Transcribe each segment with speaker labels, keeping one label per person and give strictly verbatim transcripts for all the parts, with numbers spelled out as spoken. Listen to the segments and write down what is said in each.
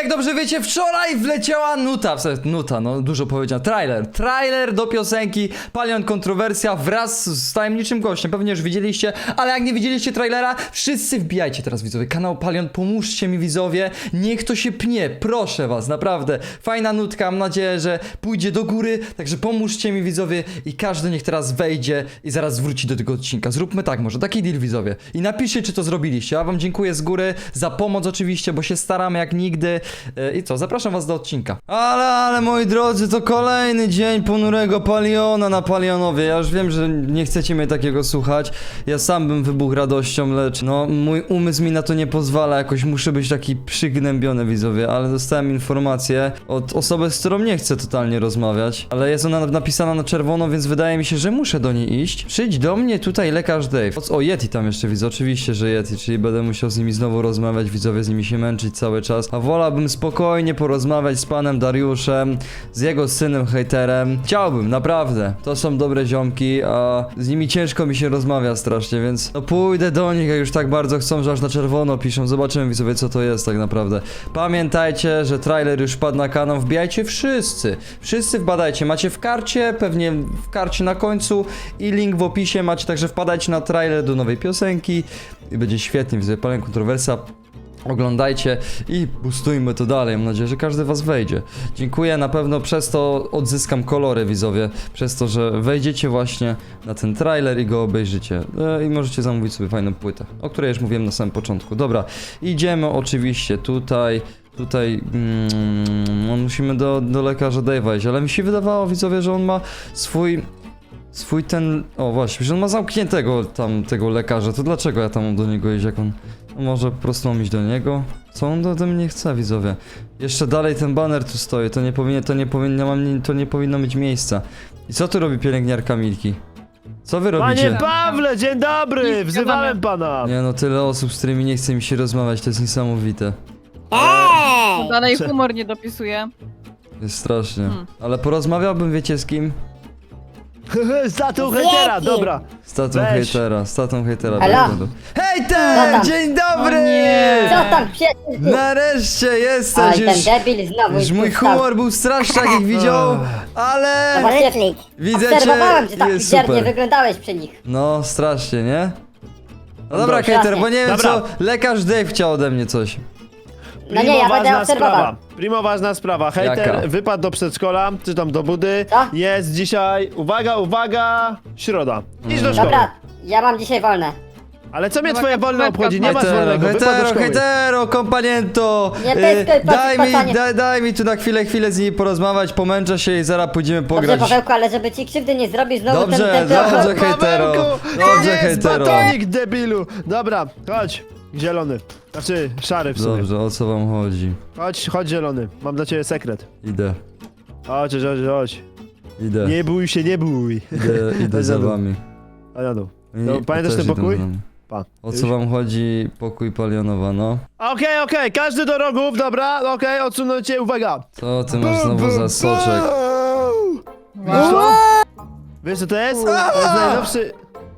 Speaker 1: jak dobrze wiecie, wczoraj wleciała nuta, w sensie nuta, no dużo powiedziałem, trailer, trailer do piosenki Palion Kontrowersja wraz z tajemniczym gościem, pewnie już widzieliście, ale jak nie widzieliście trailera, wszyscy wbijajcie teraz widzowie, kanał Palion, pomóżcie mi widzowie, niech to się pnie, proszę was, naprawdę, fajna nutka, mam nadzieję, że pójdzie do góry, także pomóżcie mi widzowie i każdy niech teraz wejdzie i zaraz wróci do tego odcinka, zróbmy tak może, taki deal widzowie i napiszcie czy to zrobiliście, ja wam dziękuję z góry za pomoc oczywiście, bo się staramy jak nigdy. I co, zapraszam was do odcinka. Ale, ale moi drodzy, to kolejny dzień ponurego Paliona na Palionowie. Ja już wiem, że nie chcecie mnie takiego słuchać. Ja sam bym wybuchł radością, lecz no, mój umysł mi na to nie pozwala. Jakoś muszę być taki przygnębiony, widzowie. Ale dostałem informację od osoby, z którą nie chcę totalnie rozmawiać. Ale jest ona napisana na czerwono, więc wydaje mi się, że muszę do niej iść. Przyjdź do mnie tutaj lekarz Dave. O, Yeti tam jeszcze widzę, oczywiście, że Yeti, czyli będę musiał z nimi znowu rozmawiać, widzowie, z nimi się męczyć cały czas. A wolałbym spokojnie porozmawiać z panem Dariuszem, z jego synem hejterem. Chciałbym, naprawdę. To są dobre ziomki, a z nimi ciężko mi się rozmawia strasznie, więc no pójdę do nich, jak już tak bardzo chcą, że aż na czerwono piszą. Zobaczymy widzowie, co to jest tak naprawdę. Pamiętajcie, że trailer już wpadł na kanał. Wbijajcie wszyscy. Wszyscy wbadajcie. Macie w karcie, pewnie w karcie na końcu i link w opisie macie, także wpadajcie na trailer do nowej piosenki i będzie świetnie, widzowie. Palion Kontrowersja. Oglądajcie i boostujmy to dalej. Mam nadzieję, że każdy was wejdzie. Dziękuję, na pewno przez to odzyskam kolory, widzowie. Przez to, że wejdziecie właśnie na ten trailer i go obejrzycie. E, I możecie zamówić sobie fajną płytę, o której już mówiłem na samym początku. Dobra, idziemy oczywiście tutaj. Tutaj mm, musimy do, do lekarza Dave'a iść, ale mi się wydawało, widzowie, że on ma swój... Swój ten... O właśnie, że on ma zamkniętego tam tego lekarza, to dlaczego ja tam mam do niego iść, jak on... No może po prostu mam iść do niego? Co on ode mnie chce, widzowie? Jeszcze dalej ten baner tu stoi, to nie powinien, to nie powinno, mam, to nie powinno mieć miejsca. I co tu robi pielęgniarka Milki? Co wy robicie?
Speaker 2: Panie Pawle, dzień dobry! Wzywałem pana!
Speaker 1: Nie no, tyle osób, z którymi nie chce mi się rozmawiać, to jest niesamowite.
Speaker 3: Eee!
Speaker 4: Dalej humor nie dopisuje.
Speaker 1: Jest strasznie.
Speaker 4: Hmm.
Speaker 1: Ale porozmawiałbym, wiecie z kim?
Speaker 2: Z tatą hejtera, dobra.
Speaker 1: Z tatą
Speaker 2: Weź.
Speaker 1: hejtera, z tatą hejtera.
Speaker 3: Halo?
Speaker 1: Hejter!
Speaker 3: tam?
Speaker 1: Dzień dobry!
Speaker 4: O nie!
Speaker 3: Co tam pies?
Speaker 1: Nareszcie jesteś
Speaker 3: Oj,
Speaker 1: już!
Speaker 3: ten debil znowu
Speaker 1: Już mój
Speaker 3: wstał.
Speaker 1: humor był straszny, jak ich widział, ale...
Speaker 3: Zobacz, świetlik.
Speaker 1: Widzę cię,
Speaker 3: Obserwowałem, że tak
Speaker 1: jest
Speaker 3: wiernie
Speaker 1: super.
Speaker 3: wyglądałeś przy nich.
Speaker 1: No, strasznie, nie? No dobra,
Speaker 2: Dobra.
Speaker 1: hejter, bo nie wiem
Speaker 2: Dobra.
Speaker 1: co, lekarz Dave chciał ode mnie coś.
Speaker 3: No nie, ja będę
Speaker 2: ważna
Speaker 3: obserwował.
Speaker 2: sprawa. Primo ważna sprawa. Hejter
Speaker 1: Jaka?
Speaker 2: wypadł do przedszkola, czy tam do budy.
Speaker 3: Co?
Speaker 2: Jest dzisiaj, uwaga, uwaga, środa. Idź do szkoły.
Speaker 3: Dobra, ja mam dzisiaj wolne.
Speaker 2: Ale co mnie
Speaker 4: Dobra,
Speaker 2: twoje wolne
Speaker 4: kropka,
Speaker 2: obchodzi? Nie masz
Speaker 1: Hetero,
Speaker 2: wolnego, wypadł do
Speaker 1: hetero,
Speaker 2: szkoły.
Speaker 1: hetero, kompaniento!
Speaker 3: Nie
Speaker 1: Y,
Speaker 3: pyskaj,
Speaker 1: daj, mi,
Speaker 3: panie.
Speaker 1: daj, daj mi tu na chwilę, chwilę z nimi porozmawiać, pomęczę się i zaraz pójdziemy
Speaker 3: Dobrze,
Speaker 1: pograć.
Speaker 3: Pawełku, ale żeby ci krzywdy nie zrobić, znowu
Speaker 1: Dobrze,
Speaker 3: ten... ten, ten
Speaker 1: dobrze, hejtero.
Speaker 2: Pawełku,
Speaker 1: Dobrze,
Speaker 2: jest
Speaker 1: hejtero.
Speaker 2: batonik, debilu. Dobra, chodź. Zielony. Znaczy, szary w sumie.
Speaker 1: Dobrze, o co wam chodzi?
Speaker 2: Chodź, chodź zielony. Mam dla ciebie sekret.
Speaker 1: Idę,
Speaker 2: Chodź, chodź, chodź, chodź.
Speaker 1: idę,
Speaker 2: Nie bój się, nie bój.
Speaker 1: idę, idę
Speaker 2: Chodź
Speaker 1: za
Speaker 2: na dół.
Speaker 1: wami.
Speaker 2: A na dół.
Speaker 1: I-
Speaker 2: No, pamiętasz
Speaker 1: też
Speaker 2: ten
Speaker 1: idą
Speaker 2: pokój?
Speaker 1: za mną.
Speaker 2: Pa.
Speaker 1: O co wam chodzi, pokój Palionowa, no?
Speaker 2: Okej, okej, każdy do rogów, dobra, okej, odsunącie, uwaga.
Speaker 1: Co ty masz znowu za soczek?
Speaker 2: Wiesz co? Wiesz co to jest? To jest najnowszy...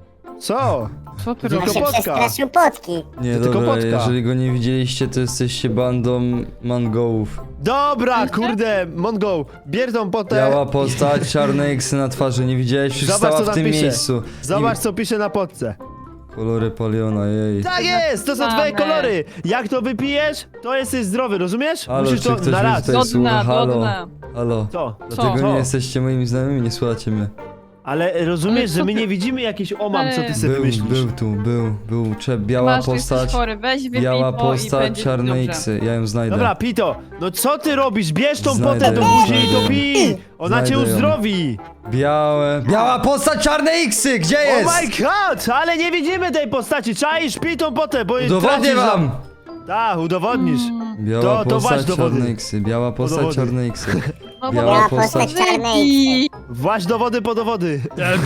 Speaker 2: Co?
Speaker 4: Co ty
Speaker 2: Tylko
Speaker 4: robisz?
Speaker 3: się
Speaker 2: potka.
Speaker 3: przestraszył potki.
Speaker 1: Nie,
Speaker 2: To tylko
Speaker 1: dobra,
Speaker 2: potka.
Speaker 1: jeżeli go nie widzieliście, to jesteście bandą mangołów.
Speaker 2: Dobra, kurde, Mongo, bierz tą potę.
Speaker 1: Biała postać, czarne eksy na twarzy, nie widziałeś? Przecież
Speaker 2: Zobacz,
Speaker 1: stała
Speaker 2: co
Speaker 1: w
Speaker 2: tam
Speaker 1: tym
Speaker 2: pisze.
Speaker 1: miejscu.
Speaker 2: Zobacz, co pisze na potce.
Speaker 1: I kolory Paliona, jej.
Speaker 2: Tak jest, to są twoje
Speaker 4: Znamy.
Speaker 2: kolory. Jak to wypijesz, to jesteś zdrowy, rozumiesz?
Speaker 1: Halo,
Speaker 2: Musisz
Speaker 1: czy
Speaker 2: to
Speaker 1: ktoś
Speaker 2: na
Speaker 1: mnie
Speaker 2: raz.
Speaker 1: tutaj
Speaker 4: Do
Speaker 1: słucha?
Speaker 4: dna, do
Speaker 1: Halo,
Speaker 4: dna.
Speaker 1: halo.
Speaker 2: Co?
Speaker 1: Dlatego
Speaker 2: Co?
Speaker 1: nie jesteście moimi znajomymi, nie słuchacie mnie.
Speaker 2: Ale rozumiesz,
Speaker 4: Ale
Speaker 2: że
Speaker 4: co
Speaker 2: my
Speaker 4: ty-
Speaker 2: nie widzimy jakiś omam, co ty sobie
Speaker 1: Był,
Speaker 2: myślisz.
Speaker 1: był tu, był, był, cze, biała
Speaker 4: Masz, że jesteś
Speaker 1: postać,
Speaker 4: chory, weź wypij
Speaker 1: biała
Speaker 4: to i
Speaker 1: postać,
Speaker 4: będzie
Speaker 1: czarne
Speaker 4: dobrze.
Speaker 1: eksy, ja ją znajdę.
Speaker 2: Dobra, Pito, no co ty robisz? Bierz tą
Speaker 1: Znajdę
Speaker 2: potę do
Speaker 1: ją,
Speaker 2: buzi i
Speaker 1: znajdę
Speaker 2: to
Speaker 1: ją.
Speaker 2: pij! Ona
Speaker 1: Znajdę
Speaker 2: cię
Speaker 1: ją.
Speaker 2: uzdrowi!
Speaker 1: Białe, biała postać, czarne eksy, gdzie
Speaker 2: Oh
Speaker 1: jest?
Speaker 2: my god, ale nie widzimy tej postaci, czaisz, pij tą potę, bo
Speaker 1: Udowodnię
Speaker 2: tracisz
Speaker 1: wam!
Speaker 2: Tak, udowodnisz.
Speaker 1: Biała
Speaker 2: To- to
Speaker 1: postać,
Speaker 2: właśnie dowody.
Speaker 1: czarne eksy, biała postać,
Speaker 2: dowody.
Speaker 1: czarne eksy.
Speaker 4: No
Speaker 1: Biała
Speaker 4: bo-
Speaker 1: postać.
Speaker 4: Wypij.
Speaker 2: Właź dowody po dowody.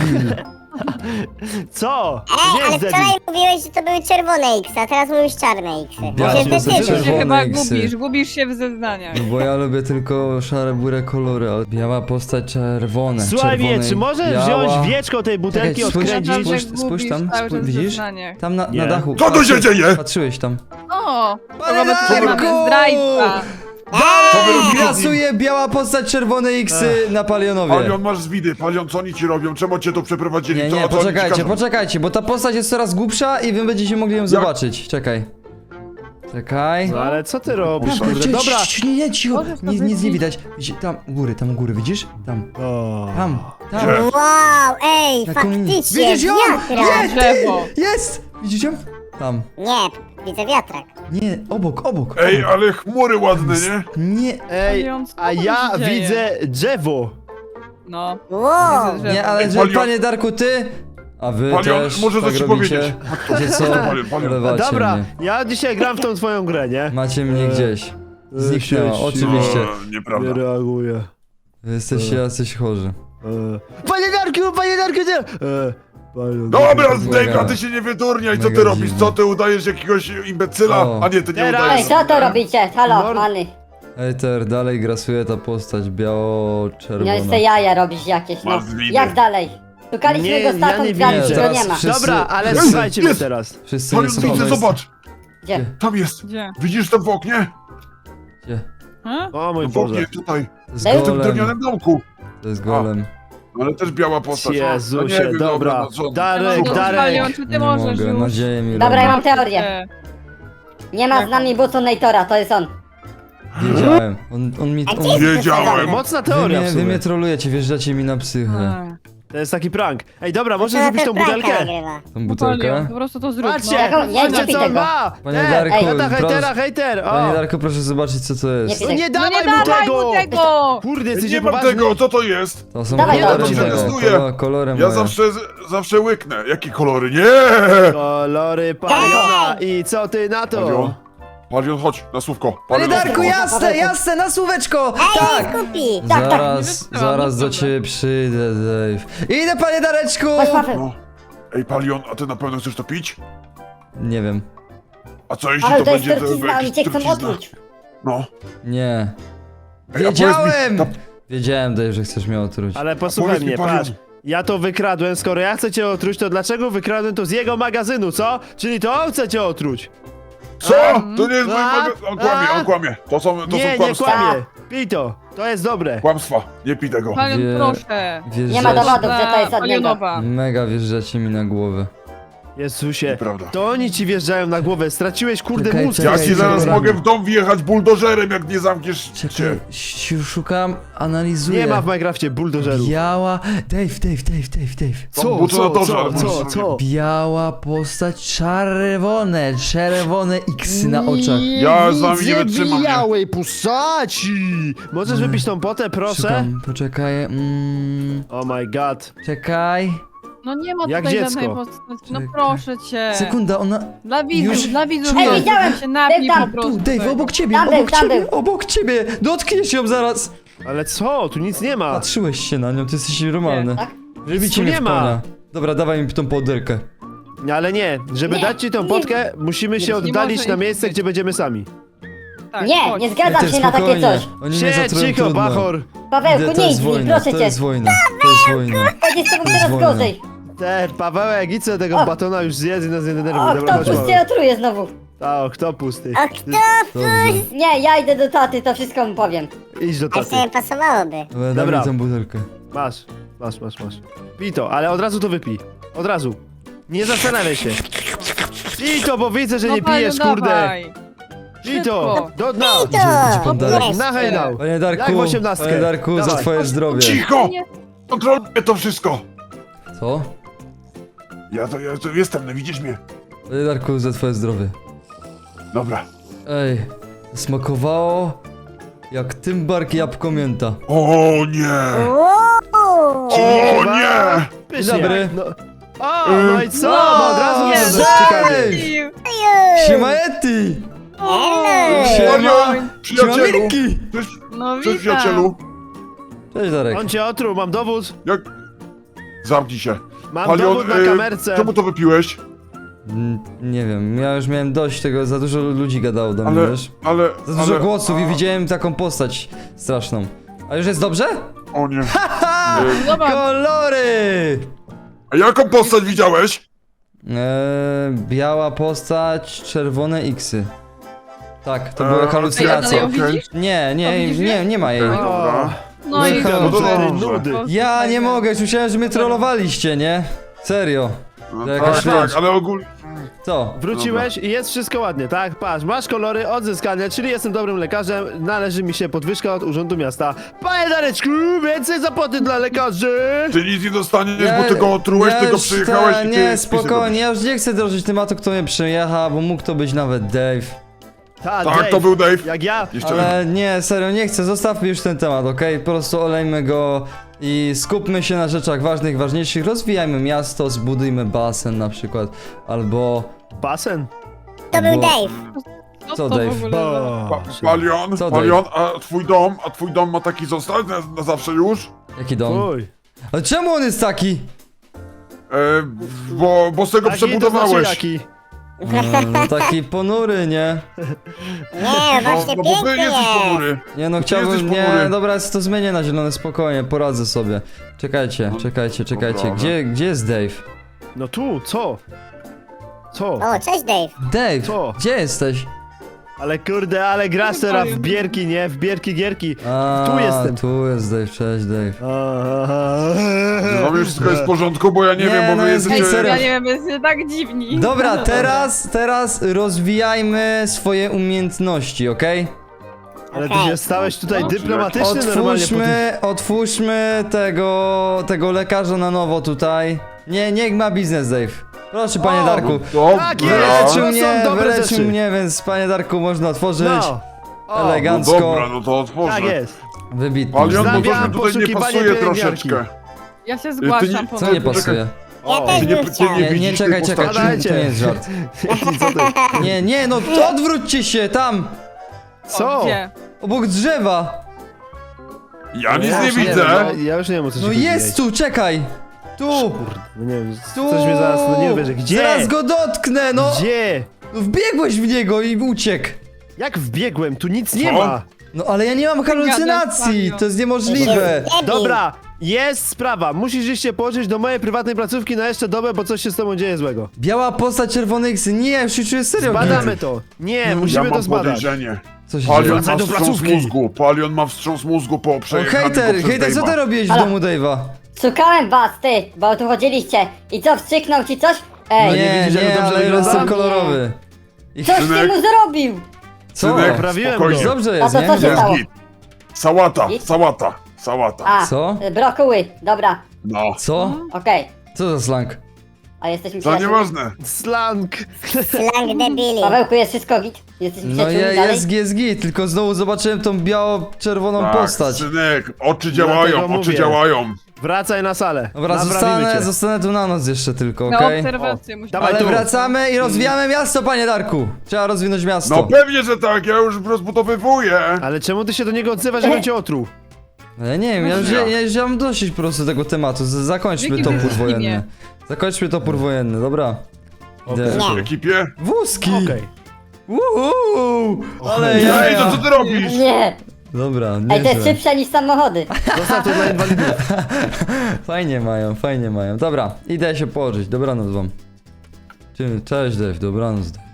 Speaker 2: Co?
Speaker 5: Ej,
Speaker 2: Nie
Speaker 5: ale
Speaker 2: jest debil.
Speaker 5: wczoraj mówiłeś, że to były czerwone X, a teraz mówisz czarne X.
Speaker 1: Biała
Speaker 5: To się
Speaker 1: postać,
Speaker 5: zdecyduj.
Speaker 4: Ty się
Speaker 1: czerwone
Speaker 4: chyba
Speaker 1: eksy.
Speaker 4: gubisz, gubisz się w zeznaniach.
Speaker 1: No bo ja lubię tylko szare, burę kolory, ale biała postać, czerwone.
Speaker 2: Słuchaj mnie,
Speaker 1: czerwone,
Speaker 2: czy możesz
Speaker 1: biała...
Speaker 2: wziąć wieczko tej butelki,
Speaker 1: Czekaj, spójrz,
Speaker 2: odkręcić?
Speaker 4: Naprawdę
Speaker 1: spójrz, spójrz
Speaker 4: gubisz
Speaker 1: tam,
Speaker 4: cały
Speaker 1: spójrz,
Speaker 4: czas w
Speaker 1: widzisz?
Speaker 4: zeznaniach.
Speaker 1: Tam na, na
Speaker 2: Nie.
Speaker 1: dachu.
Speaker 6: Co tu się dzieje?
Speaker 1: Patrzyłeś tam.
Speaker 4: O!
Speaker 1: Panie
Speaker 4: Robert
Speaker 1: Darku!
Speaker 4: Sherman, zdrajca!
Speaker 1: Dalej grasuje biała postać, czerwone X-y na Palionowie.
Speaker 6: Palion, masz zwidy. Palion, co oni ci robią? Czemu cię tu przeprowadzili?
Speaker 1: Nie,
Speaker 6: Co-
Speaker 1: nie,
Speaker 6: co oni ci
Speaker 1: poczekajcie,
Speaker 6: każą?
Speaker 1: poczekajcie, bo ta postać jest coraz głupsza i wy będziecie mogli ją zobaczyć. Czekaj. Czekaj.
Speaker 2: No ale co ty robisz,
Speaker 1: Tam,
Speaker 2: kurde?
Speaker 1: cie-
Speaker 2: Dobra.
Speaker 1: cie- Nie, nie, cicho,
Speaker 4: Możesz to
Speaker 1: nic, nic nie
Speaker 4: wybić?
Speaker 1: widać. Widzi, tam, u góry, tam u góry, widzisz? Tam,
Speaker 2: O.
Speaker 1: tam, tam.
Speaker 6: Gdzie?
Speaker 5: Wow, ej,
Speaker 1: Na komunie-
Speaker 5: faktycznie,
Speaker 1: Widzisz ją?
Speaker 5: wiatrak.
Speaker 1: Nie, ty!
Speaker 4: Drzewo.
Speaker 1: Jest! Widzisz ją? Tam.
Speaker 5: Nie, widzę wiatrak.
Speaker 1: Nie, obok, obok.
Speaker 6: Ej, ale chmury ładne, nie?
Speaker 1: Nie,
Speaker 2: Ej,
Speaker 4: Palion, co
Speaker 2: a
Speaker 4: tam
Speaker 2: ja
Speaker 4: się dzieje?
Speaker 2: widzę drzewo.
Speaker 4: No.
Speaker 5: Wow.
Speaker 4: Widzę, że-
Speaker 1: nie, ale
Speaker 6: Ej,
Speaker 1: że,
Speaker 6: Palion-
Speaker 1: panie Darku, ty... A wy
Speaker 6: Palion,
Speaker 1: też
Speaker 6: może
Speaker 1: tak
Speaker 6: coś
Speaker 1: robicie?
Speaker 6: powiedzieć.
Speaker 1: Wiecie co?
Speaker 6: Palion, Palion.
Speaker 1: Polewacie
Speaker 2: Dobra,
Speaker 1: mnie.
Speaker 2: ja dzisiaj gram w tą twoją grę, nie?
Speaker 1: Macie mnie
Speaker 2: E,
Speaker 1: gdzieś. Zniknęła,
Speaker 2: sieć,
Speaker 1: oczywiście.
Speaker 6: O, nieprawda.
Speaker 2: Nie reaguję.
Speaker 1: Wy jesteście jacyś chorzy.
Speaker 2: E, Panie Darku, panie Darku, nie! E, panie
Speaker 6: Dobra,
Speaker 2: Darku.
Speaker 6: Zdejka, ty się nie wydurniaj, co ty
Speaker 1: Mega
Speaker 6: robisz?
Speaker 1: dziwne.
Speaker 6: Co ty udajesz jakiegoś imbecyla?
Speaker 1: O.
Speaker 6: A nie, ty nie
Speaker 2: Teraz-
Speaker 3: Ej,
Speaker 6: udajesz.
Speaker 3: co to robicie? Halo,
Speaker 2: Mord-
Speaker 3: many.
Speaker 1: Ejter, dalej grasuje ta postać
Speaker 3: Miałeś
Speaker 1: biało-czerwona.
Speaker 3: te jaja robić jakieś, no.
Speaker 6: Masz zwidy.
Speaker 3: Jak dalej? Szukaliśmy
Speaker 2: Nie,
Speaker 3: go
Speaker 2: ja
Speaker 3: z tatą
Speaker 2: nie
Speaker 3: drzwiami,
Speaker 2: widzę.
Speaker 3: go
Speaker 1: Teraz
Speaker 3: nie ma.
Speaker 1: wszyscy-
Speaker 2: Dobra, ale
Speaker 6: Jest,
Speaker 2: słuchajcie mnie
Speaker 6: jest.
Speaker 2: teraz.
Speaker 1: Wszyscy nie
Speaker 6: Palion,
Speaker 1: są
Speaker 6: widzę,
Speaker 1: obecni.
Speaker 6: zobacz.
Speaker 3: Gdzie?
Speaker 6: Tam jest.
Speaker 4: Gdzie?
Speaker 6: Widzisz tam w oknie?
Speaker 1: Gdzie?
Speaker 4: Ha?
Speaker 2: O mój
Speaker 6: W oknie,
Speaker 2: Boże.
Speaker 6: tutaj.
Speaker 1: To jest
Speaker 3: Daj-
Speaker 6: W tym
Speaker 1: golem.
Speaker 6: drewnianym domku.
Speaker 1: To jest golem.
Speaker 6: Ale też biała postać. No
Speaker 2: Jezusie,
Speaker 6: nie wiem,
Speaker 2: dobra.
Speaker 6: no co-
Speaker 2: Darek,
Speaker 6: Szukam.
Speaker 2: Darek.
Speaker 4: Palion, czy ty
Speaker 1: Nie
Speaker 4: możesz
Speaker 1: mogę,
Speaker 4: już?
Speaker 1: nadzieję mi
Speaker 3: Dobra,
Speaker 1: robi.
Speaker 3: ja mam teorię. Nie ma z nami Buconatora, to jest on.
Speaker 1: Wiedziałem. On, on mi...
Speaker 5: A
Speaker 1: On,
Speaker 5: gdzie jest
Speaker 6: Wiedziałem.
Speaker 5: wysadzony?
Speaker 2: Mocna
Speaker 1: wy,
Speaker 2: teoria
Speaker 1: mnie,
Speaker 2: w
Speaker 1: wy
Speaker 2: sumie.
Speaker 1: mnie trolujecie, wjeżdżacie mi na psychę.
Speaker 4: A.
Speaker 2: To jest taki prank. Ej, dobra, możesz
Speaker 5: To
Speaker 2: zrobić tą
Speaker 5: ten pranka
Speaker 2: butelkę?
Speaker 5: nagrywa.
Speaker 1: Tą
Speaker 4: No,
Speaker 1: butelkę?
Speaker 4: Palion, po prostu to zrób.
Speaker 2: Patrzcie,
Speaker 4: No.
Speaker 3: Jaką- nie, nie
Speaker 2: patrzcie
Speaker 3: pij
Speaker 2: co on
Speaker 3: tego.
Speaker 2: ma!
Speaker 1: Panie
Speaker 2: Ej,
Speaker 1: Darku,
Speaker 2: ej, hejtera,
Speaker 1: proszę-
Speaker 2: hejtera, hejter!
Speaker 1: Panie
Speaker 2: O!
Speaker 1: Darku, proszę zobaczyć co to jest.
Speaker 3: Nie
Speaker 2: No nie
Speaker 4: No
Speaker 2: dawaj
Speaker 4: nie
Speaker 2: mu
Speaker 4: dawaj
Speaker 2: tego!
Speaker 4: mu tego!
Speaker 2: Kurde, jesteś
Speaker 6: Nie mam
Speaker 2: niepoważny.
Speaker 6: tego, co to jest?
Speaker 1: To są
Speaker 3: Dawaj,
Speaker 1: kolory
Speaker 6: to
Speaker 1: moje.
Speaker 6: przetestuję.
Speaker 1: Kolor, kolory
Speaker 6: Ja
Speaker 1: moje.
Speaker 6: zawsze, zawsze łyknę. Jakie kolory? Nie!
Speaker 2: Kolory Paliona i co ty na to?
Speaker 6: Palion, Palion, chodź na słówko.
Speaker 1: Panie
Speaker 6: Palion, na
Speaker 1: Darku,
Speaker 6: słówko.
Speaker 1: jasne, jasne, na słóweczko!
Speaker 5: Ej,
Speaker 1: Tak!
Speaker 5: kupi.
Speaker 3: Tak, tak.
Speaker 1: Zaraz,
Speaker 4: Nie
Speaker 1: zaraz do
Speaker 4: wytrzymam,
Speaker 1: ciebie przyjdę, Dave. Idę, panie Dareczku!
Speaker 3: Chodź, Paweł.
Speaker 6: No. Ej, Palion, a ty na pewno chcesz to pić?
Speaker 1: Nie wiem.
Speaker 6: A co jeśli
Speaker 3: Ale
Speaker 6: to
Speaker 3: to jest
Speaker 6: będzie
Speaker 3: trucizna, oni cię chcą
Speaker 6: trucizna?
Speaker 3: otruć.
Speaker 6: No.
Speaker 1: Nie.
Speaker 6: Ej, a powiedz mi,
Speaker 1: Wiedziałem!
Speaker 6: ta-
Speaker 1: Wiedziałem, Dave, że chcesz mnie otruć.
Speaker 2: Ale posłuchaj
Speaker 6: powiedz mi,
Speaker 2: mnie,
Speaker 6: Palion.
Speaker 2: patrz. Ja to wykradłem, skoro ja chcę cię otruć, to dlaczego wykradłem to z jego magazynu, co? Czyli to on chce cię otruć.
Speaker 6: Co? To nie jest mój
Speaker 2: A?
Speaker 6: magazyn. On kłamie,
Speaker 2: A?
Speaker 6: on kłamie. To są, to
Speaker 2: Nie,
Speaker 6: są
Speaker 2: nie
Speaker 6: kłamstwa.
Speaker 2: kłamie. Pij to, to jest dobre.
Speaker 6: Kłamstwa. Nie pij tego.
Speaker 4: Palion,
Speaker 1: Wie-
Speaker 4: proszę.
Speaker 1: Wjeżdżacie-
Speaker 3: Nie ma dowodów, że to jest od niego.
Speaker 4: Palionowa.
Speaker 1: Mega wjeżdżacie mi na głowę.
Speaker 2: Jezusie,
Speaker 6: Nieprawda.
Speaker 2: to oni ci wjeżdżają na głowę, straciłeś kurde
Speaker 1: Czekaj,
Speaker 2: mózg.
Speaker 1: czekaj,
Speaker 6: Ja ci zaraz
Speaker 1: czekaj.
Speaker 6: mogę w dom wjechać buldożerem, jak nie zamkniesz
Speaker 1: Czekaj,
Speaker 6: się.
Speaker 1: ś- szukam, analizuję.
Speaker 2: Nie ma w Minecrafcie buldożerów.
Speaker 1: Biała... Dave, Dave, Dave, Dave, Dave.
Speaker 2: Co,
Speaker 6: Tam
Speaker 2: co,
Speaker 6: butonatorze,
Speaker 2: co,
Speaker 6: ale
Speaker 2: co,
Speaker 6: możesz
Speaker 2: co?
Speaker 1: Biała postać, czerwone, czerwone X na oczach.
Speaker 6: Ja z wami nie wytrzymam, nie?
Speaker 2: białej postaci! Możesz wypić tą potę, proszę?
Speaker 1: Szukam, poczekaj, mm,
Speaker 2: Oh my god.
Speaker 1: czekaj.
Speaker 4: No nie ma
Speaker 2: Jak
Speaker 4: tutaj
Speaker 2: dziecko.
Speaker 4: żadnej postaci. No
Speaker 1: Czekaj.
Speaker 4: proszę cię.
Speaker 1: Sekunda, ona...
Speaker 4: Dla widzów,
Speaker 1: Już
Speaker 4: dla widzów.
Speaker 1: czuję.
Speaker 3: Ej, widziałem!
Speaker 4: się napij
Speaker 3: Był tam,
Speaker 4: po prostu.
Speaker 1: Tu, Dave,
Speaker 4: tego.
Speaker 1: obok ciebie,
Speaker 3: Tam był,
Speaker 1: obok
Speaker 3: tam
Speaker 1: ciebie,
Speaker 3: był.
Speaker 1: obok ciebie! Dotkniesz ją zaraz!
Speaker 2: Ale co? Tu nic nie ma.
Speaker 1: Patrzyłeś się na nią, ty jesteś normalny.
Speaker 3: Tak?
Speaker 1: Wybicie
Speaker 2: tu
Speaker 1: mnie
Speaker 2: nie
Speaker 1: w
Speaker 2: ma.
Speaker 1: konia. Dobra, dawaj mi tą poderkę.
Speaker 2: Ale nie, żeby
Speaker 3: Nie,
Speaker 2: dać ci tą
Speaker 3: nie.
Speaker 2: potkę, musimy się
Speaker 4: Nie
Speaker 2: oddalić
Speaker 4: może
Speaker 2: na
Speaker 4: ich
Speaker 2: miejsce,
Speaker 4: być.
Speaker 2: gdzie będziemy sami.
Speaker 4: Tak,
Speaker 3: Nie,
Speaker 4: chodź.
Speaker 3: nie zgadzam
Speaker 1: Ty,
Speaker 3: się na takie
Speaker 1: spokojnie.
Speaker 3: coś.
Speaker 1: Oni mnie
Speaker 2: Siedź,
Speaker 1: zatrują,
Speaker 2: cicho,
Speaker 1: trudno.
Speaker 2: bachor.
Speaker 1: Idę,
Speaker 3: Pawełku,
Speaker 1: to
Speaker 3: nie
Speaker 1: jest
Speaker 3: idź mi,
Speaker 1: wojna,
Speaker 3: proszę
Speaker 1: to
Speaker 3: cię.
Speaker 1: jest wojna, to jest wojna.
Speaker 3: Będzie z tobą
Speaker 1: To jest
Speaker 3: coraz
Speaker 1: wojna.
Speaker 3: gorzej.
Speaker 2: Te, Pawełek, idź sobie tego
Speaker 3: O.
Speaker 2: batona już zjedz i nas nie denerwuj.
Speaker 3: O,
Speaker 2: Dobra,
Speaker 3: kto
Speaker 2: chodź,
Speaker 3: pusty
Speaker 2: Paweł.
Speaker 3: otruje znowu?
Speaker 2: A, kto pusty?
Speaker 5: A kto?
Speaker 1: Dobrze.
Speaker 3: Nie, ja idę do taty, to wszystko mu powiem.
Speaker 2: Idź do
Speaker 5: A
Speaker 2: taty.
Speaker 5: sobie pasowałoby.
Speaker 1: Dobra, daj
Speaker 2: Dobra.
Speaker 1: mi tą butelkę.
Speaker 2: Masz, masz, masz, masz. Pij to, ale od razu to wypij. Od razu. Nie zastanawiaj się. Pij to, bo widzę, że
Speaker 4: No,
Speaker 2: nie pijesz,
Speaker 4: Palion,
Speaker 2: kurde.
Speaker 4: dawaj.
Speaker 2: Pij to,
Speaker 4: Szybko.
Speaker 2: do dna.
Speaker 5: To!
Speaker 1: Gdzie pan Darek?
Speaker 5: Jest.
Speaker 2: Na hejnał.
Speaker 1: Panie
Speaker 2: Jak
Speaker 1: Darku,
Speaker 2: w osiemnastkę.
Speaker 1: panie Darku, za
Speaker 2: Dawaj.
Speaker 1: twoje zdrowie.
Speaker 6: Cicho!
Speaker 4: Nie.
Speaker 6: Kontroluję to wszystko.
Speaker 1: Co?
Speaker 6: Ja to, ja to jestem, no widzisz mnie.
Speaker 1: Panie Darku, za twoje zdrowie.
Speaker 6: Dobra.
Speaker 1: Ej, smakowało jak tymbark jabłko mięta.
Speaker 6: O nie!
Speaker 5: Wow.
Speaker 6: O nie!
Speaker 2: Pysznie.
Speaker 1: Dzień dobry.
Speaker 2: No. O, no i co? No, od razu
Speaker 4: nie,
Speaker 2: mnie
Speaker 1: cześć!
Speaker 2: ciekawie.
Speaker 1: Siema Eti!
Speaker 5: Hello.
Speaker 1: Siema! Siema
Speaker 6: Przyjacielu!
Speaker 1: Mirki!
Speaker 6: Cześć,
Speaker 4: No
Speaker 6: cześć
Speaker 4: witam.
Speaker 6: przyjacielu!
Speaker 1: Cześć Darek.
Speaker 2: On cię otruł, mam dowód.
Speaker 6: Jak... Zamknij się.
Speaker 2: Mam
Speaker 6: Palion,
Speaker 2: dowód na
Speaker 6: y,
Speaker 2: kamerce.
Speaker 6: czemu to wypiłeś?
Speaker 1: Mm, Nie wiem, ja już miałem dość tego, za dużo ludzi gadało do mnie,
Speaker 6: Ale,
Speaker 1: wiesz?
Speaker 6: ale,
Speaker 1: Za dużo
Speaker 6: ale...
Speaker 1: głosów i widziałem taką postać straszną. A już jest dobrze?
Speaker 6: O nie.
Speaker 1: Ha!
Speaker 4: Zobacz.
Speaker 1: Kolory!
Speaker 6: A jaką postać widziałeś?
Speaker 1: Eee, biała postać, czerwone X-y. Tak, to były
Speaker 6: Eee,
Speaker 1: halucynacje.
Speaker 4: okej,
Speaker 6: okej.
Speaker 4: widzisz?
Speaker 1: Nie,
Speaker 4: A
Speaker 1: nie,
Speaker 4: widzisz
Speaker 1: nie, nie ma jej.
Speaker 6: Okej, dobra.
Speaker 4: No i
Speaker 1: Halo,
Speaker 6: No to
Speaker 2: Cztery
Speaker 6: dobrze.
Speaker 2: nudy.
Speaker 1: Ja nie mogę, już myślałem, że mnie trollowaliście, nie? Serio.
Speaker 6: No
Speaker 1: Jakaś
Speaker 6: tak, tak,
Speaker 1: rzecz.
Speaker 6: ale ogólnie...
Speaker 1: Co?
Speaker 2: Wróciłeś i jest wszystko ładnie, tak? Patrz, masz kolory odzyskane, czyli jestem dobrym lekarzem, należy mi się podwyżka od Urzędu Miasta. Panie Dareczku, więcej zapłaty dla lekarzy!
Speaker 6: Ty nic nie dostaniesz, bo ty go otrułeś,
Speaker 1: ja
Speaker 6: ty go
Speaker 1: już
Speaker 6: przyjechałeś
Speaker 1: te-
Speaker 6: i ty...
Speaker 1: Nie,
Speaker 6: spisy
Speaker 1: spokojnie, ja już nie chcę drożyć tematu, kto mnie przyjechał, bo mógł to być nawet Dave.
Speaker 2: Ta,
Speaker 6: Tak,
Speaker 2: Dave,
Speaker 6: to był Dave.
Speaker 2: Jak ja.
Speaker 6: Jeszcze
Speaker 1: Ale nie, serio, nie chcę, zostawmy już ten temat, okej? Po prostu olejmy go i skupmy się na rzeczach ważnych, ważniejszych, rozwijajmy miasto, zbudujmy basen na przykład, albo...
Speaker 2: Basen?
Speaker 5: To był
Speaker 1: Bo-
Speaker 5: Dave.
Speaker 4: Co
Speaker 1: Co,
Speaker 4: to
Speaker 1: Dave?
Speaker 4: w ogóle za...
Speaker 6: Pa, Palion,
Speaker 1: Co,
Speaker 6: Palion, a twój dom, a twój dom ma taki zostać na, na zawsze już?
Speaker 1: Jaki dom?
Speaker 2: Uj.
Speaker 1: Ale czemu on jest taki?
Speaker 6: E, bo, bo z tego
Speaker 2: Taki to
Speaker 6: przebudowałeś.
Speaker 2: znaczy jaki?
Speaker 1: Mm, no taki ponury, nie?
Speaker 5: Nie,
Speaker 6: No,
Speaker 5: właśnie
Speaker 6: no bo ty
Speaker 5: pięknie
Speaker 6: jesteś
Speaker 5: jest.
Speaker 6: ponury.
Speaker 1: Nie no,
Speaker 6: Ty
Speaker 1: chciałbym,
Speaker 6: jesteś
Speaker 1: nie,
Speaker 6: ponury.
Speaker 1: dobra, to zmienię na zielone, spokojnie, poradzę sobie. Czekajcie,
Speaker 6: No,
Speaker 1: czekajcie, czekajcie,
Speaker 6: dobra.
Speaker 1: gdzie, gdzie jest Dave?
Speaker 2: No tu, co? Co?
Speaker 5: O, cześć Dave.
Speaker 1: Dave,
Speaker 2: Co?
Speaker 1: gdzie jesteś?
Speaker 2: Ale kurde, ale grasz teraz w bierki, nie? W bierki, gierki.
Speaker 1: A,
Speaker 2: Tu jestem.
Speaker 1: Tu jest Dave, cześć Dave.
Speaker 6: No już wszystko jest w porządku, bo ja nie,
Speaker 1: Nie,
Speaker 6: wiem, bo
Speaker 1: no
Speaker 6: wy
Speaker 1: jest
Speaker 6: jesteście...
Speaker 1: serio.
Speaker 4: Ja nie wiem, jesteście tak dziwni.
Speaker 1: Dobra, teraz, teraz rozwijajmy swoje umiejętności, okej?
Speaker 2: Ale ty
Speaker 5: Okej.
Speaker 2: się stałeś tutaj
Speaker 6: No,
Speaker 2: dyplomatyczny normalnie po tych...
Speaker 1: Otwórzmy, otwórzmy tego, tego lekarza na nowo tutaj. Nie, niech ma biznes, Dave. Proszę, panie
Speaker 2: O,
Speaker 1: Darku.
Speaker 6: Dobra.
Speaker 2: Tak jest!
Speaker 1: Wyleczył
Speaker 2: To są
Speaker 1: mnie,
Speaker 2: dobre
Speaker 1: wyleczył
Speaker 2: rzeczy.
Speaker 1: mnie, więc panie Darku, można otworzyć.
Speaker 2: No. O,
Speaker 6: No
Speaker 1: Elegancko.
Speaker 6: dobra, no to otworzę.
Speaker 2: tak jest.
Speaker 1: Wybitnie.
Speaker 6: Palion, bo
Speaker 2: Wznawiam
Speaker 6: coś mi tutaj nie
Speaker 2: poszukiwanie
Speaker 6: pasuje
Speaker 2: pielęgniarki.
Speaker 6: troszeczkę.
Speaker 4: Ja się
Speaker 6: Ty
Speaker 4: zgłaszam
Speaker 6: nie-
Speaker 4: po
Speaker 1: Co nie pasuje?
Speaker 5: Ja
Speaker 2: O,
Speaker 5: też
Speaker 6: Ty nie,
Speaker 5: bym
Speaker 6: ty
Speaker 5: chciał.
Speaker 6: nie
Speaker 1: Nie, nie,
Speaker 6: widzisz
Speaker 1: czekaj,
Speaker 6: tej
Speaker 1: czekaj,
Speaker 6: postaci?
Speaker 1: to nie jest żart.
Speaker 2: Co ty?
Speaker 1: Nie, nie, no odwróćcie się tam!
Speaker 2: Co?
Speaker 4: O, gdzie?
Speaker 1: Obok drzewa!
Speaker 6: Ja nic
Speaker 2: Ja
Speaker 6: nie
Speaker 2: już wiem,
Speaker 6: widzę.
Speaker 2: Ja, ja już nie wiem o co ci
Speaker 1: No
Speaker 2: chodzi,
Speaker 1: jest tu, czekaj! Tu!
Speaker 2: Kurde, no nie wiem,
Speaker 1: Tu!
Speaker 2: coś mnie zaraz, no nie wierzę. Gdzie?
Speaker 1: Zaraz go dotknę, no!
Speaker 2: Gdzie?
Speaker 1: No wbiegłeś w niego i uciekł!
Speaker 2: Jak wbiegłem? Tu nic nie
Speaker 6: Co?
Speaker 2: ma.
Speaker 1: No ale ja nie mam halucynacji,
Speaker 4: Palion.
Speaker 1: to jest niemożliwe!
Speaker 5: Debil.
Speaker 2: Dobra, jest sprawa. Musisz iść się położyć do mojej prywatnej placówki na jeszcze dobę, bo coś się z tobą dzieje złego.
Speaker 1: Biała postać, czerwony X, nie, ja już się czuję serio.
Speaker 2: Badamy to. Nie,
Speaker 6: Ja
Speaker 2: musimy to
Speaker 6: mam
Speaker 2: zbadać.
Speaker 6: podejrzenie.
Speaker 1: Co się dzieje?
Speaker 6: Palion
Speaker 2: Wracaj
Speaker 6: ma
Speaker 2: do
Speaker 6: wstrząs
Speaker 2: placówki.
Speaker 6: mózgu. Palion ma wstrząs mózgu po
Speaker 1: O,
Speaker 6: przejechaniu
Speaker 1: hejter,
Speaker 6: poprzez
Speaker 1: hejter, co ty
Speaker 6: Dave'a.
Speaker 1: robiłeś w
Speaker 3: Halo?
Speaker 1: domu Dave'a?
Speaker 3: Szukałem was, ty, bo tu chodziliście. I co, wstrzyknął ci coś? Ej,
Speaker 2: No nie
Speaker 1: Nie,
Speaker 2: widzisz, jak
Speaker 1: nie,
Speaker 2: dobrze
Speaker 1: ale
Speaker 2: wygląda?
Speaker 1: jestem kolorowy. I
Speaker 3: coś ty
Speaker 6: synek.
Speaker 3: mu zrobił!
Speaker 1: co?
Speaker 6: Synek,
Speaker 2: Poprawiłem
Speaker 6: spokojnie.
Speaker 2: go.
Speaker 1: Dobrze
Speaker 3: A
Speaker 1: jest,
Speaker 3: to
Speaker 1: nie?
Speaker 3: co się
Speaker 6: Jest
Speaker 3: stało?
Speaker 6: git. Sałata,
Speaker 3: Git?
Speaker 6: sałata, sałata.
Speaker 3: A,
Speaker 1: Co?
Speaker 3: brokuły, dobra,
Speaker 6: No,
Speaker 1: Co?
Speaker 3: okej.
Speaker 1: Co za slang?
Speaker 3: A jesteśmy
Speaker 6: to
Speaker 3: przyjaciółmi?
Speaker 6: nieważne.
Speaker 2: Slang.
Speaker 5: Slang debili.
Speaker 3: Pawełku, jest wszystko git? Jesteśmy
Speaker 1: No
Speaker 3: przyjaciółmi
Speaker 1: je,
Speaker 3: dalej?
Speaker 1: jest G S G, tylko znowu zobaczyłem tą biało-czerwoną
Speaker 6: Tak,
Speaker 1: postać.
Speaker 6: synek, oczy
Speaker 2: Dlatego
Speaker 6: działają, oczy
Speaker 2: mówię.
Speaker 6: działają.
Speaker 2: Wracaj na salę.
Speaker 1: Dobra,
Speaker 2: Naprawimy
Speaker 1: zostanę,
Speaker 2: cię.
Speaker 1: zostanę tu na noc jeszcze tylko,
Speaker 4: Na
Speaker 1: okej?
Speaker 4: obserwację musimy.
Speaker 2: Dawaj
Speaker 1: Ale
Speaker 2: tu.
Speaker 1: wracamy i rozwijamy miasto, panie Darku! Trzeba rozwinąć miasto.
Speaker 6: No pewnie, że tak, ja już rozbudowywuję.
Speaker 2: Ale czemu ty się do niego odzywasz, żebym cię otruł?
Speaker 1: Ale nie wiem, ja już, ja, ja już mam dosyć po prostu tego tematu. Z- Zakończmy
Speaker 4: Jaki
Speaker 1: topór
Speaker 4: wózki
Speaker 1: wojenny.
Speaker 4: nie?
Speaker 1: Zakończmy topór wojenny, dobra. Idę.
Speaker 6: W ekipie?
Speaker 1: Wózki!
Speaker 2: Okej.
Speaker 1: Uuu, ale
Speaker 6: Ej,
Speaker 1: ja.
Speaker 6: to co ty robisz?
Speaker 3: Nie!
Speaker 1: Dobra,
Speaker 3: Ej, to jest
Speaker 1: nieźle.
Speaker 3: szybsze niż samochody.
Speaker 2: Zostaw to dla inwalidów.
Speaker 1: Fajnie mają, fajnie mają. Dobra, idę się położyć. Dobranoc wam. Cześć Dave, dobranoc Dave.